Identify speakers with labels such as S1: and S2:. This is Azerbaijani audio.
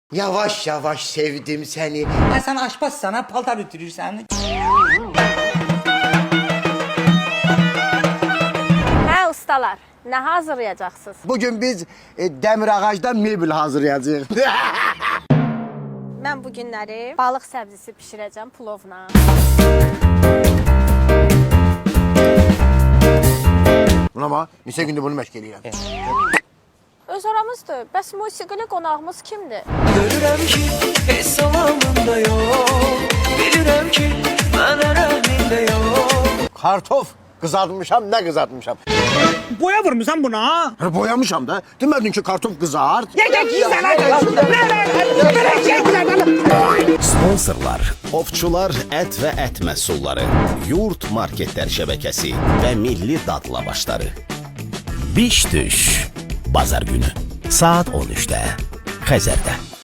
S1: Yavaş yavaş sevdim seni.
S2: Ha, sen aşpazsan, ha, paltar ütürürsən.
S3: Hə ustalar, nə hazırlayacaqsınız?
S1: Bugün biz demir ağacdan mebel hazırlayacağız.
S3: Mən bu günləri balıq səbzisi bişirəcəm plovla.
S1: Buna bax, neçə gündür bunu məşq eləyirəm.
S3: Öz aramızdır. Bəs musiqili qonağımız kimdir?
S4: Görürəm ki, heç salamında yox. Bilirəm ki, mənə rəhmində yox.
S1: Kartof kızartmışam, ne kızartmışam?
S2: Boya vurmusan buna.
S1: Boyamışam da. Demedin ki kartof kızart.
S5: Sponsorlar, Ovçular Ət və Ət Məhsulları, Yurt Marketlər Şəbəkəsi və Milli Dadla Başları. Biş düş, bazar günü, saat 13-də, Xəzərdə.